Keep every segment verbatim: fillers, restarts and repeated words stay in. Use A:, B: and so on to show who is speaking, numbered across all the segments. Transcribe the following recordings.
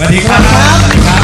A: วัสดีครับสวัสดีครับ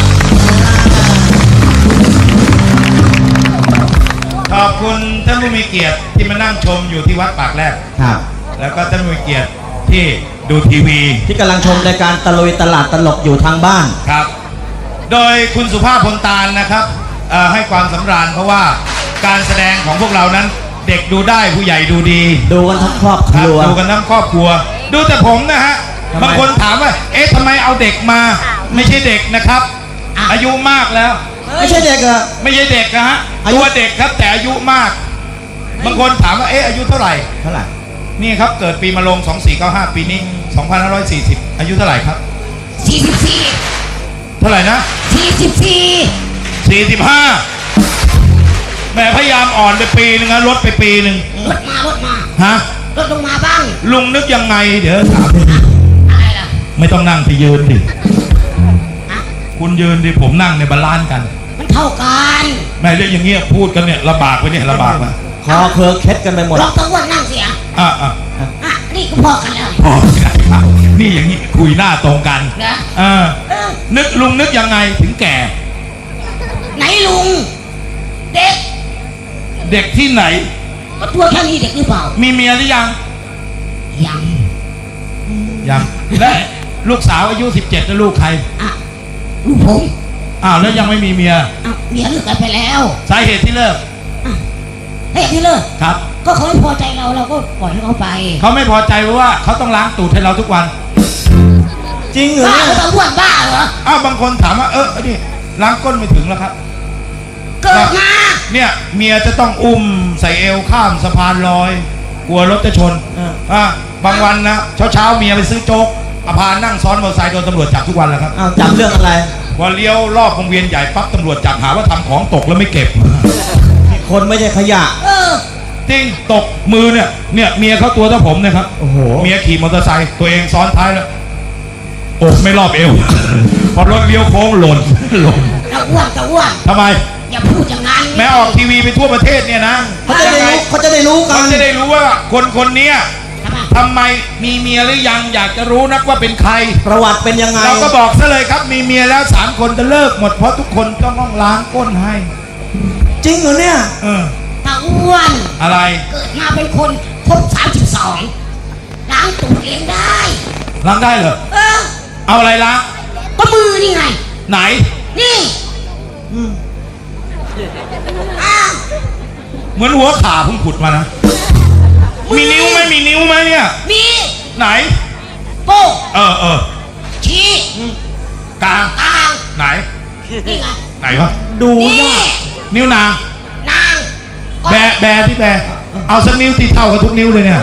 A: ขอบคุณท่านผู้มีเกียรติที่มานั่งชมอยู่ที่วัดปากแรก
B: ครับ
A: แล้วก็ท่านผู้มีเกียรติที่ดูทีวี
B: ที่กำลังชมรายการตะลุยตลาดตลกอยู่ทางบ้าน
A: ครับโดยคุณสุภาพพลตาลนะครับให้ความสำราญเพราะว่าการแสดงของพวกเรานั้นเด็กดูได้ผู้ใหญ่ดูดี
B: ดูกันทั้งครอบครัว
A: ดูกันทั้งครอบครัวดูแต่ผมนะฮะบางคนถามว่าเอ๊ะทำไมเอาเด็กมาไม่ใช่เด็กนะครับอายุมากแล้ว
B: ไม่ใช่เด็กอะ
A: ไม่ใช่เด็กนะฮะตัวเด็กครับแต่อายุมากบางคนถามว่าเอ๊ะอายุเท่าไหร่
B: เท่าไหร่
A: นี่ครับเกิดปีมะโรงสองสี่เก้าห้าปีนี้สองพันห้าร้อยสี่สิบอายุเท่าไหร่ครับ
C: สี่สิบสี่
A: เท่าไหร่นะ
C: สี่สิบสี่
A: สี่สิบห้าแม่พยายามอ่อนไปปีนึงนะลดไปปีนึง
C: ลดมาลดมา
A: ฮะ
C: ลดลงมาบ้าง
A: ลุงนึกยังไงเดี๋ยวถาม
C: อะไรล่ะ
A: ไม่ต้องนั่งไปยืนดิคุณยืนดิผมนั่งในบาลานซ์กัน
C: มันเท่ากัน
A: แม่เรื่องอย่างเงี้ยพูดกันเนี่ยลำบากไปเนี่ยลำบากมา
B: คอเคอเคล็ดกันไปหมด
C: ลองตะวันนั่งเสีย
A: อ่ะอ่ะ
C: อ่ะนี่ก็พอกันแล้ว
A: พอกันครับนี่อย่างนี้คุยหน้าตรงกัน
C: นะ
A: เออนึกลุงนึกยังไงถึงแก่
C: ไหนลุงเด็ก
A: เด็กที่ไหน
C: ก็ตัวแค่นี้เด็กหรือเปล่า
A: มีเมียหรือยัง
C: ยัง
A: ยังและลูกสาวอายุสิบเจ็ดแล้วลูกใคร
C: อ่ะลูกผม
A: อ้าวแล้วยังไม่มีเมีย
C: อ้าวเมียเลิกกันไปแล้ว
A: สาเหตุที่เลิก
C: เหตุที่เลิก
A: ครับ
C: ก็เขาไม่พอใจเราเราก็ปล่อยให้เขาไป
A: เขาไม่พอใจเพราะว่าเขาต้องล้างตูดให้เราทุกวัน
B: จริงเหรอ
C: บ้าเขาต้องบ้วนบ้าเหรอ
A: อ้าวบางคนถามว่าเออนี่ล้างก้นไม่ถึงแล้วครับ
C: เกิดมา
A: เนี่ยเมียจะต้องอุ้มใส่เอวข้ามสะพานลอยกลัวรถจะชนอ่าบางวันนะเช้าเช้าเมียไปซื้อโจ๊กอภานั่งซ้อนมอเตอร์ไซค์โดนตำรวจจับทุกวันแล้วครับ
B: อ้าวจับเรื่องอะไร
A: พอเลี้ยวรอบวงเวียนใหญ่ปั๊บตำรวจจับหาว่าทำของตกแล้วไม่เก็บ
B: คนไม่ใช่ขยะ
C: เออ
A: จริงตกมือเนี่ยเนี่ยเมียเขาตัวเท่าผมนะครับ
B: โอ้โห
A: เมียขี่มอเตอร์ไซค์ตัวเองซ้อนท้ายแล้วอกไม่รอบเอวพอรถเลี้ยวโค้งหล่นหล่น
C: ตะอ้วนตะอ้วน
A: ทำไม
C: อย่าพูดอย่างนั้น
A: แม้ออกทีวีไปทั่วประเทศเนี่ยนะ
B: เขาจะได้รู้เขาจะได้รู้กัน
A: เขาจะได้รู้ว่าคนคนนี้ทำไมมีเมียหรือยังอยากจะรู้นักว่าเป็นใคร
B: ประวัติเป็นยังไง
A: เราก็บอกซะเลยครับมีเมียแล้วสามคนจะเลิกหมดเพราะทุกคนต้องต้องล้างก้นให้
B: จริงเหรอเนี่ย
A: เออ
C: ตาอ้วน
A: อะไร
C: เกิดมาเป็นคนครบสามสิบสองล้างตูดเองได้
A: ล้างได้เหรอ
C: เออ
A: เอาอะไรล้าง
C: ก็มือนี่ไง
A: ไหน
C: นี่อืมอ้าว
A: เหมือนหัวขาเพิ่งขุดมานะมีนิ้วไหมมีนิ้วไหมเนี่ย
C: มี
A: ไหน
C: โป้
A: เออเออ
C: ชี้
A: กลาง
C: กลาง
A: ไหน
C: นี่ไง
A: ไหนวะ
B: ดูยาก
A: นิ้วนาง
C: นาง
A: แบแบที่แบเอาสักนิ้วตีเท่ากับทุกนิ้วเลยเนี่ย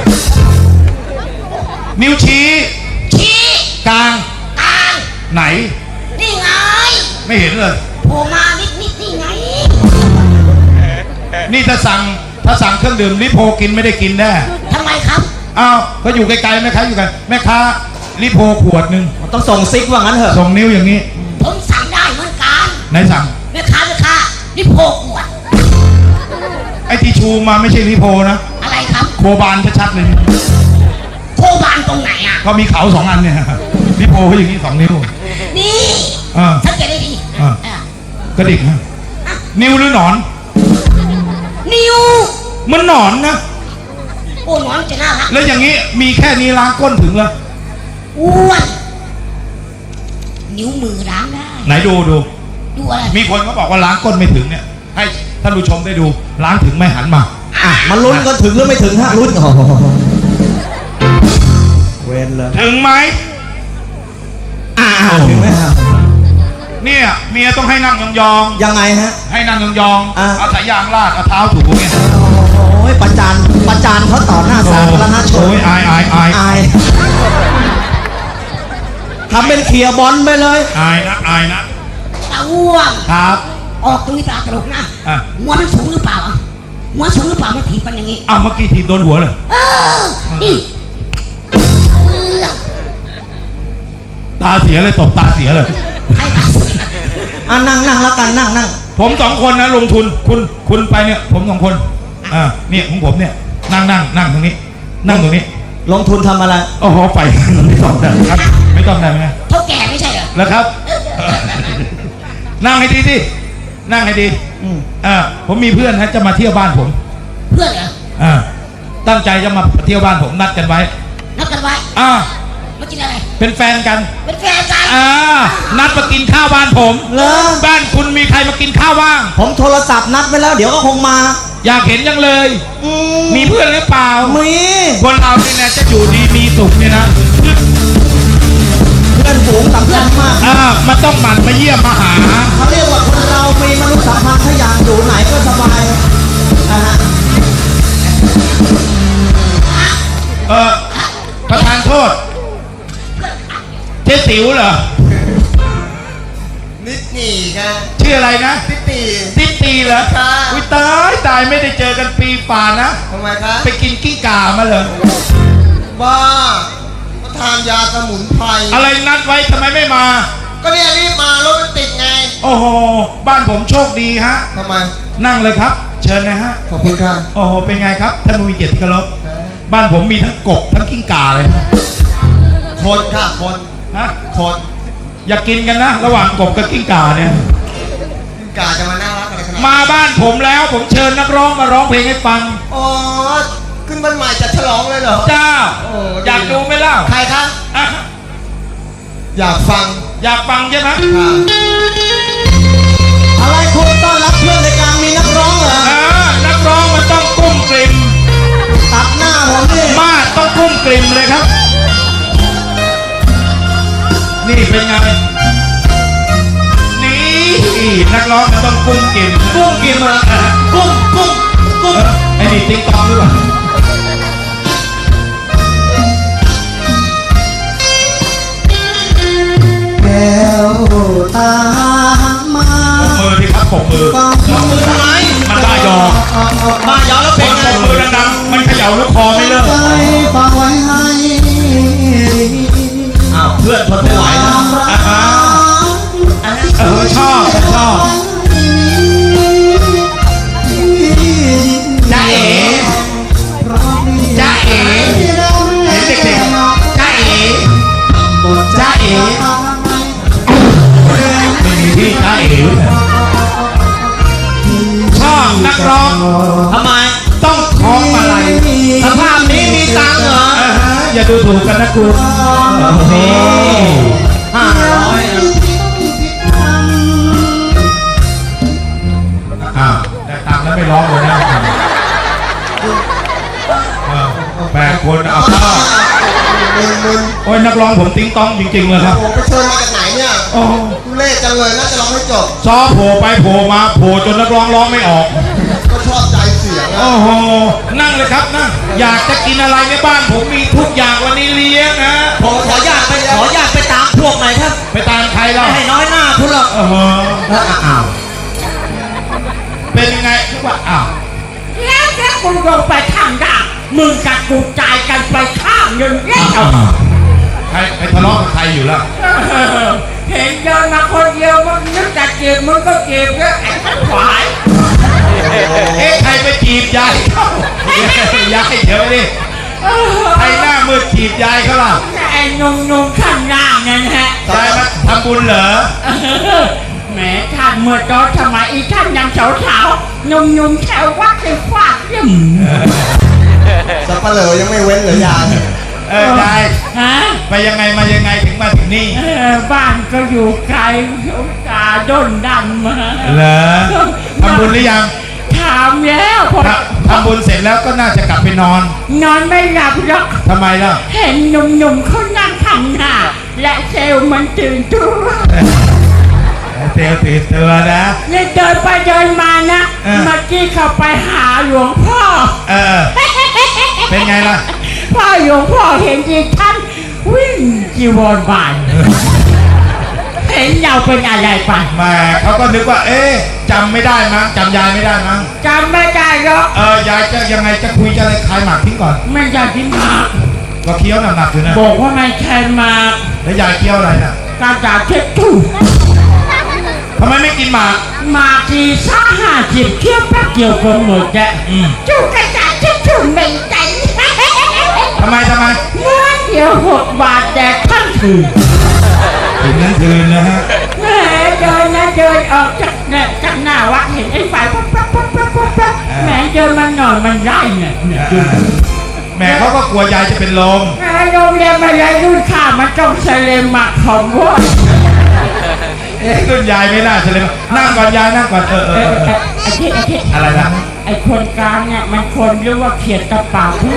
A: นิ้วชี้
C: ชี้
A: กลาง
C: กลาง
A: ไหน
C: นี่ไง
A: ไม่เห็นเลย
C: โผล่มานิดนิดนี่ไง
A: นี่ถ้าสั่งถ้าสั่งเครื่องดื่มลิโพกินไม่ได้กินแน่
C: ทำไมครับ
A: อ้าวก็อยู่ไกลๆแม่ค้าอยู่ไกลแม่ค้าลิโพขวดหนึ่ง
B: ต้องส่งซิกว่างั้นเถอะ
A: ส่งนิ้วอย่างนี้
C: ผมสั่งได้เหมือนกัน
A: ไหนสั่ง
C: แม่ค้าแม่ค้าลิโพขวด
A: ไอ้ที่ชูมาไม่ใช่ลิโพนะ
C: อะไรครับ
A: โคบานชัดๆเลย
C: โคบานตรงไหนอ่ะ
A: ก็มีเขาสองอันเนี่ยลิโพเขาอย่างนี้สองนิ้ว
C: นี่สังเกตได้ดี
A: กระดิกฮะนิ้วหรือหนอน
C: นิ้ว
A: มันหนอนนะ
C: โอ้หนอนจะน่ารัก
A: แล้วอย่างนี้มีแค่นี้ล้างก้นถึงแล้ว
C: อ้วนนิ้วมือล้างได้
A: ไหนดูดู
C: ดูอะไร
A: มีคนเขาบอกว่าล้างก้นไม่ถึงเนี่ยให้ท่านผู้ชมได้ดูล้างถึงไม่หันมา
B: อ่ะมาลุ้นกันถึงหรือไม่ถึงฮะลุ้นเว้นเลย
A: ถึงไหม
B: อ่าถึงไหมครับ
A: เนี่ยเมียต้องให้นั่งยอง
B: ๆยังไงฮะ
A: ให้นั่งยองๆเอาสายยางลาดเอาเท้าถูเงี้ย
B: โอ้ยประจานประจานเขาต่อหน้าสาธารณชน
A: โอ้ยอายอายอาย
B: อายทำเป็นเขียบอลไปเลย
A: อายนะอายนะ
C: ตาอ้วง
A: ครับ
C: ออกตุยตาตลกนะหัวมันสูงหรือเปล่าหัวสูงหรือเปล่ามันถีบกันอย่างนี้
A: อ้าวเมื่อกี้ถีบโดนหัวเลย
C: นี่
A: ตาเสียเลยตบตาเสียเลย
B: อ่ะนั่งนั่งแล้วกันนั่งนั่ง
A: ผมสองคนนะลงทุนคุณคุณไปเนี่ยผมสองคนอ่าเนี่ยของผมเนี่ยนั่งนั่งนั่งตรงนี้นั่งตรงนี้
B: ลงทุนทำอะไร
A: โอ้โหไฟไม่ต้องได้ครับไม่ต้องได้ไหม
C: เท่าแก่ไม่ใช่เหรอ
A: แล้วครับนั่งให้ดีสินั่งให้ดี
B: อืม
A: เออผมมีเพื่อนฮะจะมาเที่ยวบ้านผม
C: เพื่อนเหรอ
A: อ่าตั้งใจจะมาเที่ยวบ้านผมนัดกันไว้
C: นัดกันไว้
A: อ่า
C: มากินอะไร
A: เป็นแฟนกัน
C: เป็นแฟนกัน
A: อ่านัดมากินข้าวบ้านผม
B: เหรอ
A: บ้านคุณมีใครมากินข้าวบ้าง
B: ผมโทรศัพท์นัดไว้แล้วเดี๋ยวก็คงมา
A: อยากเห็นยังเลย
B: อื
A: มีเพื่อนหรือเปล่า
B: มี
A: คนเราเนี่ยนะจะอยู่ดีมีสุขเนี่ยนะ
B: เพื่อนฝูงสำคัญมาก
A: อ่ามันต้องหมั่นมาเยี่ยมมาหา
B: เขาเรียกว่าคนเรามีมนุษยสัมพันธ์ถ้าอยากอยู่ไหนก็สบายนะฮะ
A: เออประธานโทษเจ๊ติ๋วเหรอ
D: นิดหนีค่ะ
A: ชื่ออะไรนะ
D: นิดหนี
A: ติ๊กตีเหรอ
D: ค่ะ
A: อุ้ยตายตายไม่ได้เจอกันปีฝ่านะ
D: ทำไมคะ
A: ไปกินกิ้งก่ามาเหรอ
D: บ้าก็ทานยาสมุนไพร
A: อะไรนัดไว้ทำไมไม่มา
D: ก็เนี่ยรีบมารถมันติดไง
A: โอ้โหบ้านผมโชคดีฮะ
D: ทำไม
A: นั่งเลยครับ เชิญนะฮะ
D: ขอบคุณค่ะ
A: โอ้โหเป็นไงครับท่านผู้มีเกียรติที่เคารพบ้านผมมีทั้งกบทั้งกิ้งก่าเลย
D: คนค่ะคน
A: ฮะ
D: คน
A: อย่ากินกันนะ ระหว่างกบกับกิ้งก่าเนี่ย
D: กาจะมาน่ารักอะไรขนาดนั้น
A: มาบ้านผมแล้วผมเชิญนักร้องมาร้องเพลงให้ฟัง
D: อ๋อขึ้นวันใหม่จะฉลองเลยเหรอ
A: จ้า
D: โอ้ดี
A: อยากดูไหมเล่า
D: ใครคะ
A: อ่ะ
D: อยากฟัง
A: อยากฟังใช่ไหม
D: ค่ะ
B: อะไรคุณต้อนรับเพื่อนในการมีนักร้องเหรอ
A: อ่านักร้องมันต้องกุ้มกลิ่ม
B: ตัดหน้าผมนี่
A: มากต้องกุ้มกลิ่มเลยครับ นี่เป็นไงนี่นักร้องมันต้องกุ้มกลิ่มกุ้มกลิ่มอะอ่ะ
B: กุ้งกุ้งกุ้ง
A: เออไอ้นี่ติ๊งตองหรือเปล่า
B: แก้วตามา
A: ปรบมือดิครับปรบมือ
B: ปองมือทำไม
A: มันบ้ายอ
B: บ้ายอแล้ว
A: ค
B: เป็น
A: น
B: ไง
A: ปรบมือดังๆมันเขย่าลูกคอไม่เลิก
B: ใจฝากไว้ให้
D: อ้าวเพื่อนทนไม่ไหวแล้ว
A: อ่าฮะเออชอบชอบจ้าเอ๋จ้าเอ๋เห็นเด็กๆจ้าเอ๋จ้าเอ๋ไม่มีที่จ้าเอ๋เลยชอบนักร้อง
B: ทำไม
A: ต้องคล้องมาลัย
B: สภาพนี้มีตังค์เหรอ
A: อ่าฮะอย่าดูถูกกันนะคุณนี่
B: ห้าร้อย
A: อ้าวได้ตังค์แล้วไม่ร้องเลยนะเออแปดคนเอาเข้า
D: มึนมึน
A: โอ้ยนักร้องผมติ้งต้องจริงๆเลยครับ
D: โอ้ไปเชิญมาจากไหนเนี่ย
A: โอ้
D: ทุเล่จังเลยน่าจะร้องให้จบ
A: ซอโผล่ไปโผล่มาโผล่จนนักร้องร้องไม่ออก
D: ก็ชอบใจเสียงอะ
A: โอ้โห นั่งเลยครับนั่งอยากจะกินอะไรในบ้านผมมีทุกอย่างวันนี้เลี้ยงนะ
B: ผมขออนุญาตไปขออนุญาตไปตามพวกหน่อยครับ
A: ไปตามใครเล่า
B: ไม่ให้น้อยหน้าคุณหรอก
A: โอ้โห
B: อ้าว
A: เป็นยังไงทุกว่าอ้าว
C: แล้วแค่คุณลงไปข้างด่างมึงกับกูจ่ายกันไปข้างหนึ่งแล้ว
A: ใครใครทะเลาะกับใครอยู่แล้ว
C: เห็นเดินมาคนเดียวมึงนึกจะจีบมึงก็จีบเยอะไอ้ทั้งขวาย
A: เอ๊ะใครไปจีบยายเขายายเดี๋ยวดิใครหน้ามืดจีบยายเขาล่ะ
C: ไอ้นุ่มๆข้างล่างนั่นฮะ
A: ยายมาทำบุญเหรอ
C: แหมท่านเมื่อตอนสมัยอีท่านยังสาวๆหนุ่มๆแถววัดไปฟาดเยี่ยม
D: สับปะเหร่อยังไม่เว้นเหรอยาย
A: เออยาย
C: ฮะ
A: ไปยังไงมายังไงถึงมาถึงนี่
C: เออบ้านก็อยู่ไกลอุตส่าห์ด้นดันมา
A: เหรอทำบุญหรือยัง
C: ถามแล้วพอ
A: ถ้าทำบุญเสร็จแล้วก็น่าจะกลับไปนอน
C: นอนไม่หลับหรอก
A: ทำไมล่ะ
C: เห็นหนุ่มๆเขานั่งข้างหน้าและเซลล์มันตื่นตัว
A: เตียวตีเตือนะ
C: เลยเดินไปเดินมานะ
A: เออ
C: เมื่อกี้เขาไปหาหลวงพ่อ
A: เออ เป็นไงล่ะ
C: พ่อหลวงพ่อเห็นอีกท่านวิ่งจีวรบาน เห็นเราเป็นอะไรไป
A: แหมาเขาก็นึกว่า เอ๊ะจำไม่ได้มั้งจำยายไม่ได้มั้ง
C: จำไม่ได้หรอก
A: เออยายจะยังไงจะคุยจะอะไรคลายหมากทิ้งก่อน
C: ไม่อยากกินหมาก
A: ก็เคี้ยวหนักๆอยู่นะ
C: บอกว่าไม่ใช่หมาก
A: แล้วยายเคี้ยวอะไรน่ะ
C: การจ่าเช็ดถูก
A: ทำไมไม่กินหมาก
C: หมากทีซ่าห้าสิบเคี้ยวแป๊บเดียวก็หมดแก
A: อืม
C: จูกระจ่าเช็ดถูกไม่ใจ
A: ทำไมทำไม
C: เมื่อเดียวหกบาทแดกทั้งคืน
A: ถึงนั้นคืนนะฮะ
C: เอเดินออกจากเนี่ยจากหน้าวัดเห็นไอ้ไฟปั๊บปั๊บปั๊บปั๊บปั๊บปั๊บแหมเดินมาหน่อยมันไล่เนี่ยเนี่ย
A: แม่เขาก็กลัวยายจะเป็นลม
C: แหมโรงเรียนมาเลยรุ่นข้ามันต้องเซเลมมาของวัว
A: เอ๊ะรุ่นยายไม่น่าเลยนั่งก่อนยายนั่งก่อนเออเอ
C: เอ
A: อ
C: อ
A: เอ
C: เอ
A: อ
C: อไอ้ที่ไอ้ที่
A: อะไรนะ
C: ไอ้คนกลางเนี่ยมันคนหรือว่าเขียนกระเป๋าพูด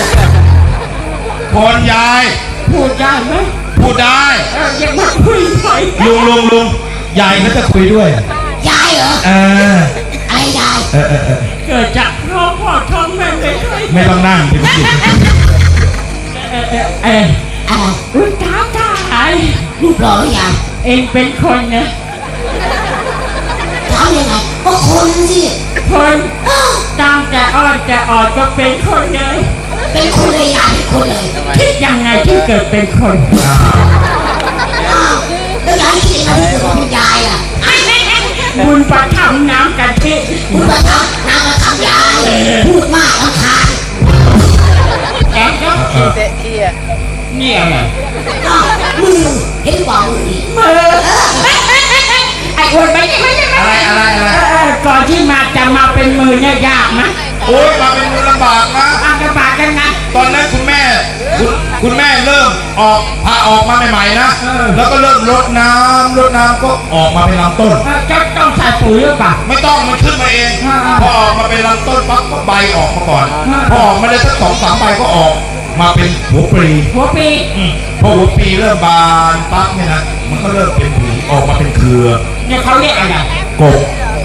A: คนยาย
C: พูดได้ไหม
A: พูดได้
C: เออยังมาคุยหน่อย
A: ลุงลุงลุงยายเขาจะคุยด้วย
E: ยายเหรอ
A: เออ
E: อะไรยาย
A: เออเออเออ
C: เกิดจากท้องพ่อท้องแม่ไม่เคย
A: ไม่ต้องนั่งที่พี่
C: เออเออเออ
E: อะไร
C: อุ้ยตาตาย
E: รูปหล่อหรือยัง
C: เองเป็นคนนะ
E: ถามยังไงก็คนสิ
C: คนตั้งแต่อ่อนแต่อ่อนก็เป็นคนเลย
E: เป็นคนเลยยายเป็นคนเลย
C: คิดยังไงที่เกิดเป็นคน
E: อ้าวแล้วยายคิดยังไงที่เกิดมาเป็นยายอ่ะ
C: บุญประทับน้ำกันที่
E: พูดมาทำนางมาทำยายพูดมากรำคาญ
C: แกก็นี่อะไร
E: อ้าวมือเห็นกว่ามืออีก
C: มือไอ้อวดไปใช่ไหมใช่ไหม
A: อะไรอะไรอะไร
C: เออก่อนที่มาจะมาเป็นมือเนี่ยยากไหม
A: โอ้ยมาเป็นมือลำบากนะ
C: อาลำบากกันนะ
A: ตอนนั้นคุณแม่คุณคุณแม่เริ่มออกพาออกมาใหม่ๆนะ แล้วก็เริ่มรดน้ำรดน้ำก็ออกมาเป็นลำต้น
C: เออจะต้องใส่ปุ๋ยหรือเปล่า
A: ไม่ต้องมันขึ้นมาเอง พอออกมาเป็นลำต้นปั๊บก็ใบออกมาก่อน พอออกมาได้สักสองสามใบก็ออกมาเป็นหัวปลี
C: หัวปี
A: อืมพอหัวปลีเริ่มบานปั๊บเนี่ยนะมันก็เริ่มเป็นผีออกมาเป็นเครือ
C: เนี่ยเขาเรียกอะไร
A: กบ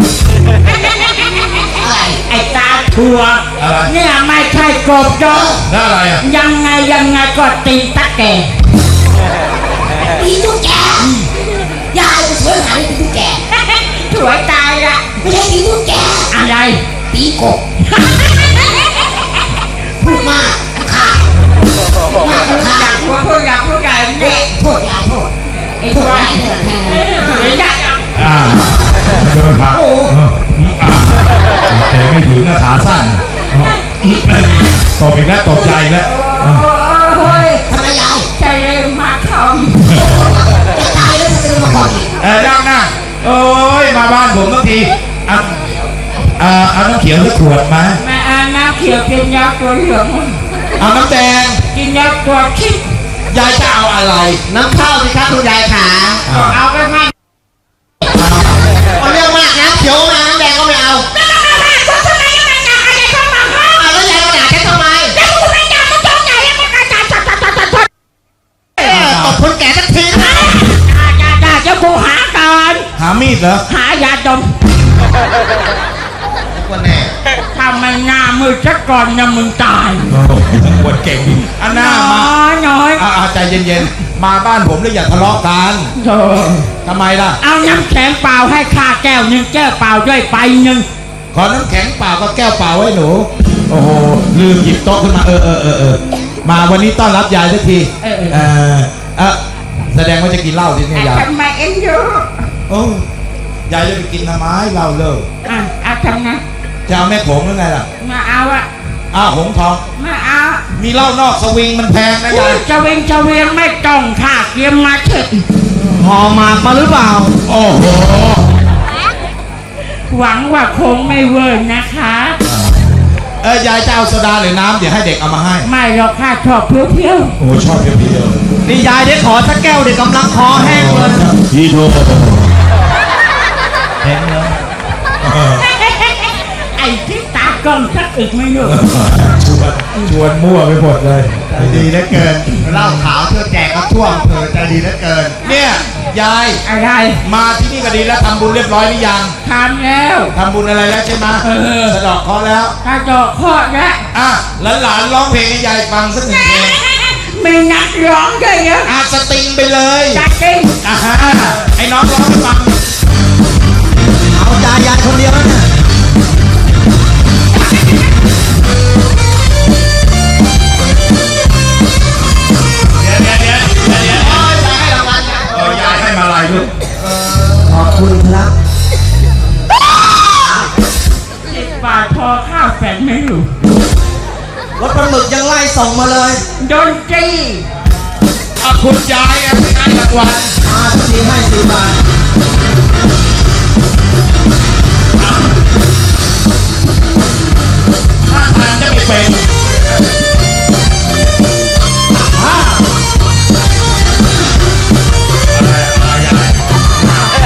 E: อะไร
C: ไอ้ตาทัว
A: อะไร
C: เนี่ยไม่ใช่กบจง
A: แล้วอะไรอ่ะ
C: ยังไงยังไงก็ตีตะแก่
E: ตีตุ๊กแกยายจะสวยขนาดนี้ตีตุ๊กแก
C: สวยตายละ
E: ไม่ใช่ตีตุ๊กแก
C: อะไร
E: ตีกบพูดมากรำคาญมากรำคา
C: อยา
E: ญ
C: กพูดพูดอยากพูดใหญ่เนี่ย
E: โทษยายโทษ
C: ไอ้
E: โท
C: ตั
E: ษ
C: วย
E: ายเถอะแค่
C: เอ
E: นั้น
C: ออยาก
A: อ่าเดินผ่านโอ้อ่าแต่ไม่ถึงนะขาสั้นตบอีกแล้วตบใจอีกแล้ว
C: โอ้ย
E: ทำไมยาย
C: ใจเย็นมากเขา
E: จะตายแล้วจะเป็นมาก่อนอีก
A: เออนั่งนั่งโอ้ยมาบ้านผมบางทีเอาเอาเอาน้ำเขียวสักขวดมา
C: แม่อาน้ำเขียวกินยาตัวเหลือง
A: เอาน้ำแดง
C: กินยาตัวชิด
A: ยายจะเอาอะไร
B: น้ำข้าวสิครับคุณยายขา
C: ก็เอาไปมา
B: เอาเรื่องมากนะเขียวมาน้ำแดงก็ไม่เอาเอาแล้วยายมาด่าฉันทำไมเออตบคนแก่สักทีนะ
C: จ้าจ้าเจ้ากูหาก่อน
A: หามีดเหรอ
C: หายาดม
B: คนแน่
C: ถ้ามันหน้ามือซะก่อนนะมึงตาย
A: โอ้โหปวดเก่งอันหน้ามา
C: น้อยน้อย
A: อ่าใจเย็นๆมาบ้านผมแล้วอย่าทะเลาะกัน
C: โธ่
A: ทำไมล่ะ
C: เอาน้ำแข็งเปล่าให้ข้าแก้วหนึ่งแก้วเปล่าด้วยไปหนึ่ง
A: ขอน้ำแข็งเปล่าก็แก้วเปล่าไว้หนูโอ้โหลืมหยิบโต๊ะขึ้นมาเออเออเออเออมาวันนี้ต้อนรับยายสักทีเออเออแสดงว่าจะกินเหล้าที่นี่ยาย
C: ทำไมเอ็นยู
A: โอ้ยายจะไปกินทำไมเหล้าเลิก
C: อ่ะเอาทำนะ
A: จะเอาแม่โขงหรือไงล่ะ
C: มาเอาอะ
A: อ้าวหงทอง
C: มาเอา
A: มีเหล้านอกสวิงมันแพงนะ
C: อุ้
A: ยาย ย
C: จะเวงจะเวียงไม่ต้องค่ะเตรียมมาเถอะ
B: หอหมากมาหรือเปล่า
A: โอ้โห
C: หวังว่าคงไม่เวิร์นนะคะ
A: เออยายจะเอาโซดาหรือน้ำเดี๋ยวให้เด็กเอามาให้
C: ไม่หรอกค่ะชอบเพียว
A: โอ้ชอบเพียว
B: นี่ยายได้ขอสักแก้วเด็กกำลังคอแห้งเลย
A: ๆพี่โทเห็นเหรอ
C: ๆไอ้ที่ตากล้องสักอึกไม่รู้
A: ชวนชวนมั่วไปหมดเลยดีเหลือเกิน
B: เหล้าขาวเธอแจกก็ท่วมเธอใจดีเหลือเกิน
A: เนี่ยยาย
C: อะไร
A: มาที่นี่ก็ดีแล้วทำบุญเรียบร้อยหรือยัง
C: ทำแล้ว
A: ทำบุญอะไรแล้วใช่ไหม
C: เออ
A: สะเดอกเคราะห์แล้ว
C: กระจกข้อแล้ว
A: อ่ะหลานๆร้องเพลงให้ยายฟังสักหนึ่งเพลง
C: มีนักร้องด้วยเยอะ
A: อาสติงไปเลย
C: จัดจริง
A: อ่ะฮะไอ้น้องร้องให้ฟัง
B: เอาใจยายคนเดียวแล้วเนี่ย
A: เดี๋ยวเดี๋ยวเดี๋ยวเดี๋ยวเดี๋ยวเออยายให้มาลายลูก
B: ขอบคุณครับ
C: สิบบาทพอข้าวแฝงไม่รู้
B: รถปลาหมึกยังไล่ส่งมาเลย
C: ดนตรี
A: อ่ะคุณยายอ่ะให้รางวัล
B: มาทีให้สี่บาท
A: เป็น
B: อ่า
A: อะไรอะไรอะไร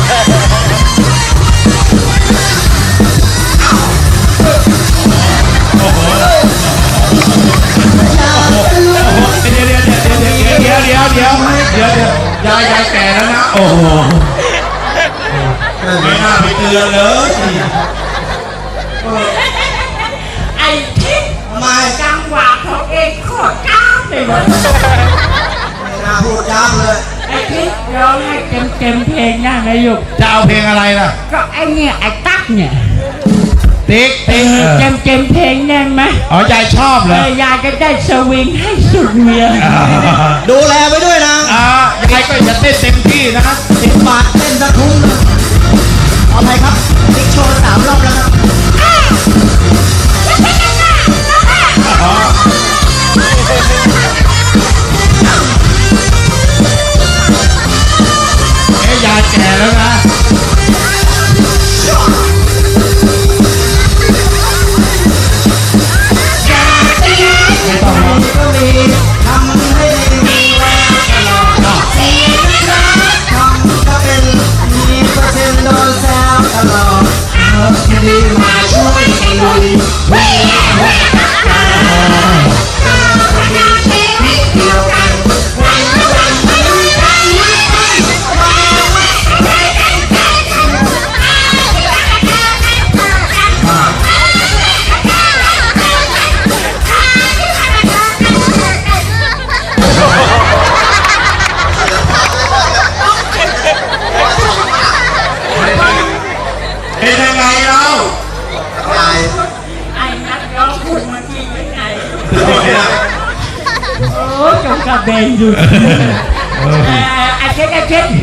A: โอ้โหโอ้โหเดี๋ยวเดี๋ยวเดี๋ยวเดี๋ยวเดี๋ยวเดี๋ยวเดี๋ยวเดี๋ยวเดี๋ยวยายยายแก่แล้วนะโอ้โหไม่น่าไปเตือนเลย
C: ไอ้ทิศ
B: ไม่
C: จังหวะของเองโคตรก้าวเลยว่ะ
B: ไม่น่าพูดย้ำเลย
C: ไอ้ทิศร้องให้เต็มเต็มๆเพลงได้ไหมลูก
A: จะเอาเพลงอะไรล่ะ
C: ก็ไอ้เนี่ยไอ้ตั๊กเนี่ย
A: ติ๊กติ๊ก
C: เต็มเต็มๆเพลงได้ไหม
A: อ๋อยายชอบเหร
C: เอ
A: อ
C: อยายก็ได้สวิงให้สุดเมีย
B: ดูแลไปด้วยนะ
A: อ่ายายก็จะเต้นเต็มที่นะ
B: สิบบาทเต้นสักทุ่งหนึงเอาไปครับติ๊กโชว์สามรอบแล้วครับ
A: อ๋อเอ้ยยายแก่แล้วนะไม่ต้องหรอก
B: ก็มีทำให้ดีทำก็เป็นมีเปอร์เซ็นต์โดนแซวตลอดเออดีมาช่วยลุย
A: เป็นยังไงเรา
B: ยาย
C: ไอ้นักร้องพูดเมื่อกี้ยังไง
A: โอ้ยนะ
C: โอ้ยจงกระเบนอยู่เออไอ้เช็ดไอ้เช็ด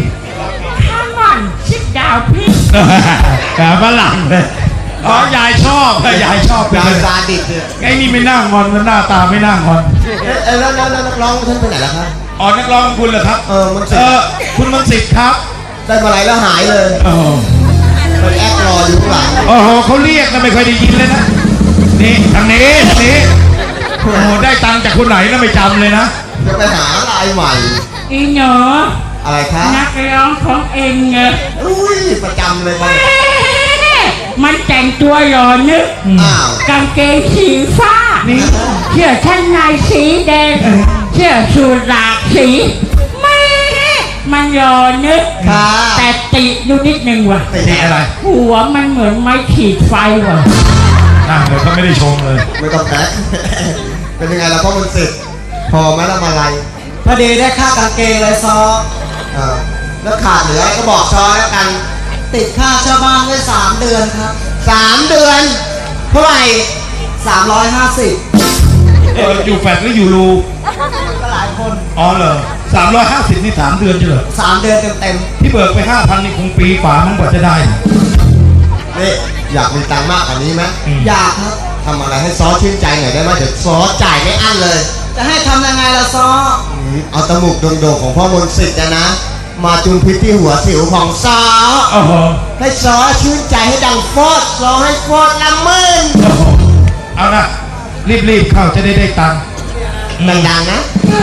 C: Come on sit down please
A: แต่ฝรั่งเลยอ๋อยายชอบยายชอบเป็น
B: ยาย
A: เลย
B: ซาดิสเนี่ย
A: ไอ้นี่ไม่นั่งงอนมันหน้าตาไม่นั่งงอน
B: เอ๊ะเอ๊ะแล้วแล้วแล้วนักร้องท่านไปไหนล่ะครับ
A: อ๋อนักร้องคุณเหรอครับ
B: เออมันสิ
A: เออคุณมนต์สิทธิ์ครับ
B: ได้มาไหลแล้วหายเลย
A: โอ้โห
B: ไปแอบรออยู่ข้างหลัง
A: โอ้โหเขาเรียกนะไม่ค่อยได้ยินเลยนะนี่ทางนี้ทางนี้โอ้โหได้ตังค์จากคนไหนนะไม่จำเลยนะ
B: จะไปหาลายใหม่
C: อีหนู
B: อะไรคะ
C: นักร้องของเองไง
B: อุ้ยประจำเลยครับ
C: มันแต่งตัวหล่อนึก
B: อ้าว
C: กางเกงสีฟ้า
A: นี่
C: เสื้อชั้นในสีแดงเสื้อสูทหลากสีไม่มันหล่อนึก
B: ค่ะ
C: แต่ติดูนิดนึงว่ะ
B: ติด
A: นี่อะไร
C: หัวมันเหมือนไม้ขีดไฟว่ะ
A: นั่งเลยเขาไม่ได้ชมเลย
B: ไม่ต้องแตะ เป็นยังไงล่ะพ่อมันสิทธิ์พอไหมละมาลัยพอดีได้ค่ากางเกงเลยซอเออแล้วขาดเหลือก็บอกซอแล้วกัน ติดค่าเช่าบ้านไว้สามเดือนครับสามเดือนเท่าไหร่สามร้อยห้าสิบ
A: เอออยู่แฟลตหรืออยู่รู
B: ก็หลายคน
A: อ๋อเหรอสามร้อยห้าสิบนี่สามเดือนใช่เหรอ
B: สามเดือนเต็ม
A: ที่เบิกไปห้าพันนี่คงปีกว่ามันกว่าจะได้
B: ๆนี่อยากมีตังค์มากกว่านี้ไหม
A: อืม
B: อยากครับทำอะไรให้ซอชื่นใจหน่อยได้ไหมเดี๋ยวซอจ่ายไม่อั้นเลย จะให้ทำยังไงล่ะซอเอาตะหมุกโด่งๆของพ่อมนต์สิทธิ์อะนะ มาจุนพิษที่หัวสิวของซอ
A: โอ้โห
B: ให้ซอชื่นใจให้ดังฟอดซอให้ฟอดละหมื่น
A: โอ้โหเอานะรีบๆเข้าจะได้ได้ตังค์
B: ดังๆนะ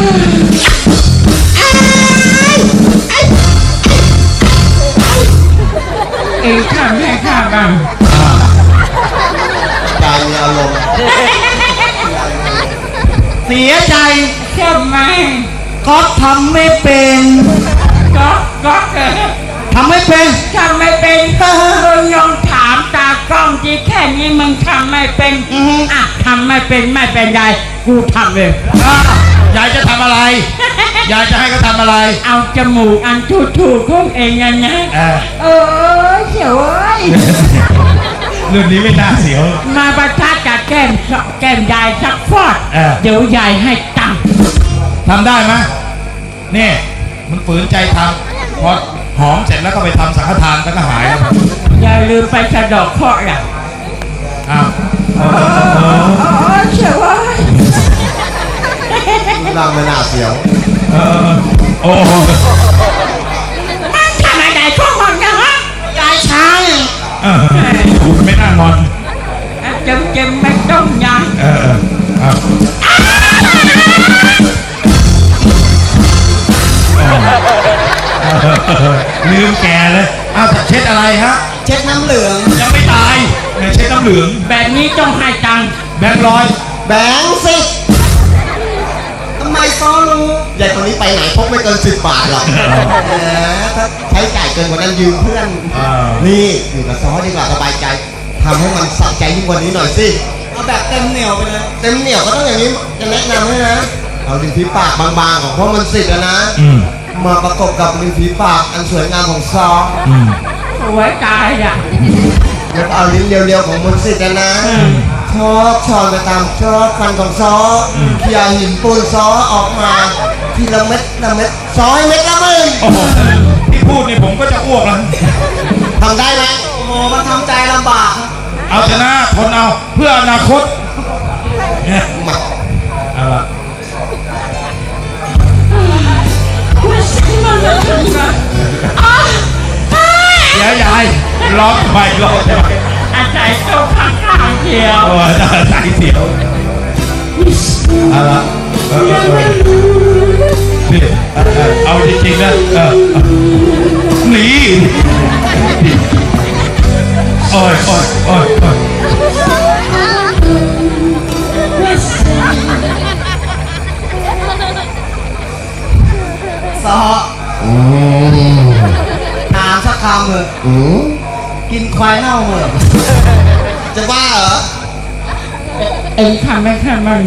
C: เองทำให้ข้าบ้าง
B: ใจมีอารมณ์ เสียใจ
C: ใช่ไหม
B: ก็ทำไม่เป็น
C: ก็ก็เออ
B: ทำไม่เป็น
C: ทำไม่เป็นมึงลองถามตากล้องที่แค่นี้มึงทำไม่เป็นอ่ะทำไม่เป็นไม่เป็นไรกูทำเลย
A: อ่ะยายจะทำอะไร ยายจะให้เขาทำอะไร
C: เอาจมูกอันทูทูๆของเองนะนะ
A: เออ
C: เออเสียวเอ้ย
A: รุ่นนี้ไม่น่าเสียว
C: มาประทัดกับแก้มแก้มยายสักฟอด
A: เออ
C: เดี๋ยวยายให้ตังค์
A: ทำได้ไหมนี่มันฝืนใจทำพอหอมเสร็จแล้วก็ไปทำสังฆทานแล้วก็หายแล้ว
C: อย่าลืมไปสะเดอกเคราะห์ล่ะ
A: อ้าวเออเออ
C: อ๋อเสียวเอ้ย
B: ร่างไม่น่าเสียว
A: เออโอ้โห
C: มันทำอะไรพวกมึงนะฮะยายช้าง
A: เออคุณไม่น่างอน
C: จำจำไม่ต้องยัง
A: เออเอออ่ะลืมแกเลยอ้าวเช็ดอะไรฮะ
B: เช็ดน้ำเหลือง
A: ยังไม่ตายเนี่ยเช็ดน้ำเหลือง
C: แบบนี้ต้องให้ตังค์
A: แบงค์ร้อย
B: แบงค์สิทำไมซ้อรู้ใหญ่คนนี้ไปไหนพกไม่เกินสิบบาทหรอกแหมถ้าใช้จ่ายเกินกว่านั้นยืมเพื่อน
A: อ่า
B: นี่อยู่กับซ้อดีกว่าสบายใจทำให้มันสะใจยิ่งกว่านี้หน่อยสิเอาแบบเต็มเหนียวไปเลยเต็มเหนียวก็ต้องอย่างนี้จะแนะนำให้นะเอาริมฝีปากบางๆของพ่อมันสิทธิ์นะ
A: อืม
B: มาประกบกับริมฝีปากอันสวยงามของซอ
A: อืม
C: สวยตายอ่ะ
B: แล้วก็เอาลิ้นเรียวๆของมนต์สิทธิ์นะ
C: อืม
B: ชอบชอนไปตามชอบฟันของซอเขี่ยหินปูนซอออกมาทีละเม็ดละเม็ดซอยเม็ดละมึง
A: โอ้โหที่พูดนี่ผมก็จะอ้วกแล้ว
B: ทำได้ไหมโอ้โหมันทำใจลำบาก
A: เอาชนะทนเอาเพื่ออนาคตเนี่ย
B: มา
A: เอาละ
C: ไม่ใช่มันเลยนะอ๋อ
A: เดี๋ยวยายร้องไปร้องไป
C: อาศัยตัวข้างๆเดียว
A: โอ้ยใจเสียวเอาละเออเออเออนี่เออเออเอาจริงๆนะเออเออหนีโอ้ยโอ้ยโอ้ยโอ้ย
B: ซอถามสักคำเถอะกินควายเน่าเหรอจะบ้าเหรอ
C: เองทำได้แค่มัน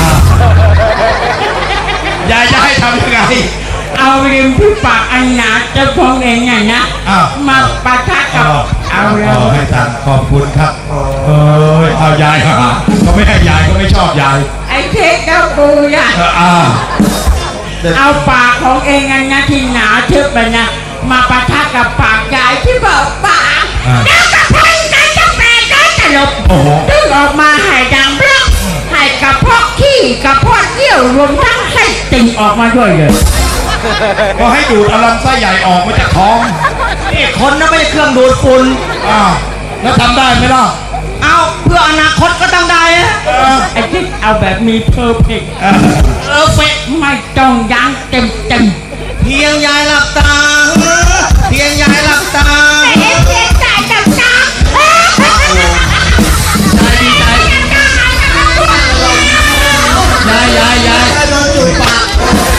A: ยายจะให้ทำยังไง
C: เอาริมที่ปากอันหนาจะพองเองไงนะ
A: อ้าว
C: มาปะทะกับเอาเร็ว
A: ให้ตังค์ขอบคุณครับเอ้ยเอายายหาเขาไม่ให้ยายก็ไม่ชอบยาย
C: ไอ้เทคกับกูอ่ะ
A: เอออ่า
C: เอาปากของเองอันนะที่หนาทึบไปนะมาปะทะกับปากยายที่เบิกปากแล้วก็พันกันจะแปลกันตลบ
A: โอ้โห
C: ดึงออกมาให้ดังเปรี้ยให้กระเพาะขี้กระเพาะเยี่ยวรวมทั้งไส้ติ่งออกมาด้วยเลย
A: ก็ให้ดูดเอาลำไส้ใหญ่ออกมาจากท้อง
B: นี่คนนะไม่ใช่เครื่องดูดฝุ่น
A: อ้าวแล้วทำได้ไหมล่ะ
B: เอาเพื่ออนาคตก็ต้องได้นะ
A: เออ
C: ไอ้ที่เอาแบบมีเพอร์เฟกต์
A: เออ
B: เออเฟก
C: ไม่ต้องยั้งเต็มเต็ม
B: เพียงยายหลับตา เพียงยายหลับตา
C: เอ๊ะเพียงแต่จับจ้า
B: ดีใจยายยายยายให้โดนจุดปาก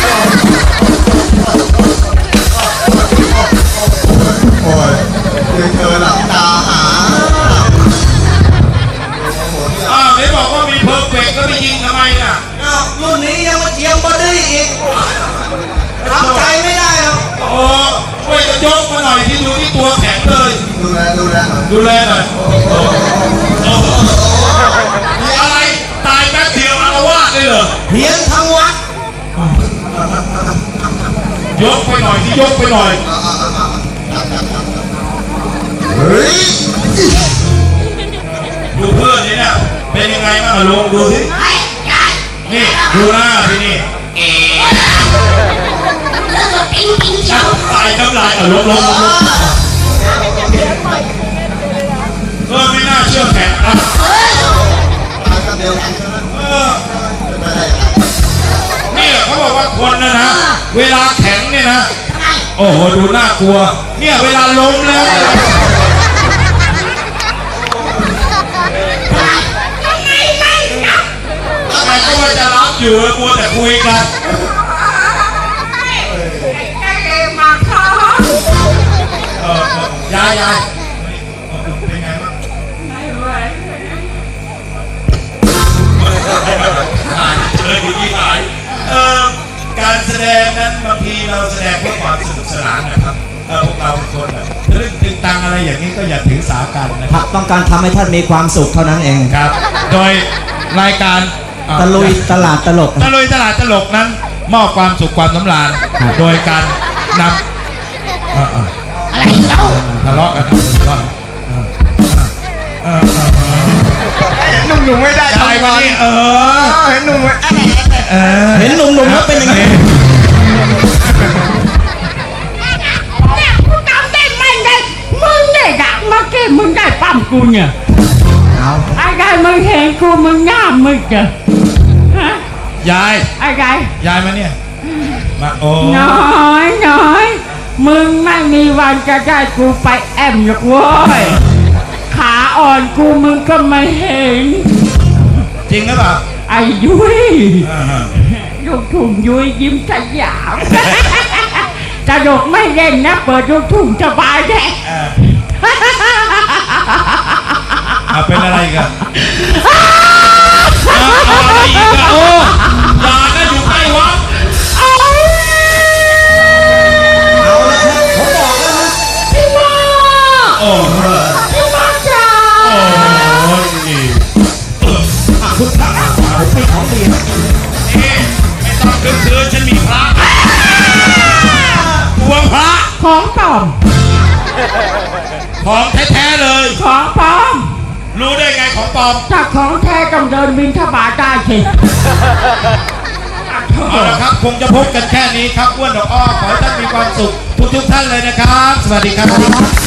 B: โอ้ยเดี๋ยวเธอหลับตาหา
A: อ้าวไหนบอกว่ามีเพอร์เฟกต์แล้วไปยิงทำไมน่ะ
B: อ้าวรุ่นนี้ยังมาเทียมบอดี้อีกทำใจไม่ได้หรอก
A: โอ้ช่วยกันยกมาหน่อยที่ดูที่ตัวแข็งเลย
B: ดูแลดูแล
A: ดูแลหน่อยโอ้โหอะไรตายแป๊บเดียวอารวาสเลยเหรอ
B: เพียงทั้งวัด
A: ยกไปหน่อยที่ยกไปหน่อย
B: เฮ้ย
A: ดูเพื่อนนี่เนี่ยเป็นยังไงบ้างอะลุงดูสินี่ดูหน้าพี่นี่
E: แล้วก็ปิ้งปิ้งเชียว
A: ตายน้ำลายอ่ะลงลงลงลงเออไม่น่าเชื่อแข็งอ่ะเออเนี่ยเขาบอกว่าคนนะนะเวลาแข็งเนี่ยนะโอ้โหดูน่ากลัว เนี่ยเวลาล้มแล้วเนี่ย แต่ก็ว่าจะรับอยู่กลัวแต่คุยกัน
C: ไอ้เอมาท้อ
A: เออยายยายเป็นไงบ้าง
C: ไม่ไหว
A: หายเจอดีที่หายเออการแสดงนั้นบางทีเราแสดงเพื่อความสนุกสนานนะครับเออพวกเราเป็นคนแบบเรื่องตึงตังอะไรอย่างนี้ก็อย่าถือสากันนะค
B: ค
A: รั
B: รั
A: บบ
B: ต้องการทำให้ท่านมีความสุขเท่านั้นเอง
A: ครับ โดยรายการอ่ะ
B: ตะลุยตลาดตลก
A: ตะลุยตลาดตลกนั้น มอบความสุขความสำราญโดยการนำอ่ะอ่ะ
E: อะไรเล่า
A: ทะเลาะกันทะเลาะกันเออเออเออ
B: หนุ่มหนุ่มไม่ได้
A: ยายมานี่เออ
B: เห็นหนุ่ม
A: เออ
B: เห็นหนุ่มหนุ่มแล้วเป็นยังไง
C: เนี่ยกูจำได้ไม่ได้มึงเนี่ยดักเมื่อกี้มึงได้ปั้มกูเนี่ย
B: เอา
C: ไอ้ได้มึงเห็นกูมึงหน้ามึงเจอ
A: ยาย
C: อะไร
A: ยายมาเนี่ยมาโอ้
C: น้อยน้อยมึงไม่มีวันจะได้กูไปแอมหรอกเว้ยขาอ่อนกูมึงก็ไม่เห็น
A: จริงหรือเปล่า
C: ไอ้ยุ้ย
A: อ่าฮะ
C: ลูกทุ่งยุ้ยยิ้มสยามตลกไม่เล่นนะเปิดลูกทุ่งสบายแน่
A: อ่าอ่ะเป็นอะไรกันเอาอะไรอีกอะโอ้ยานะอยู่ใกล้วัด
B: เอาละครับผมบอกแล้วนะ
C: พี่ว่า
A: โอ้โห
C: พี่ว่าจ้า
A: โอ้ย
B: อ่ะคุณพระผมมีของดีนะ
A: เอ๊ะไม่ต้องคืนคืนฉันมีพระกลัวพระ
C: ของปลอม
A: ของแท้ๆเลย
C: ของปลอม
A: รู้ได้ไงของปลอม
C: ถ้าของแท้ต้องเดินบินทบาทได้สิ
A: เอาละครับคงจะพบกันแค่นี้ครับอ้วนดอกอ้อขอให้ท่านมีความสุขทุกๆท่านเลยนะครับ สวัสดีครับ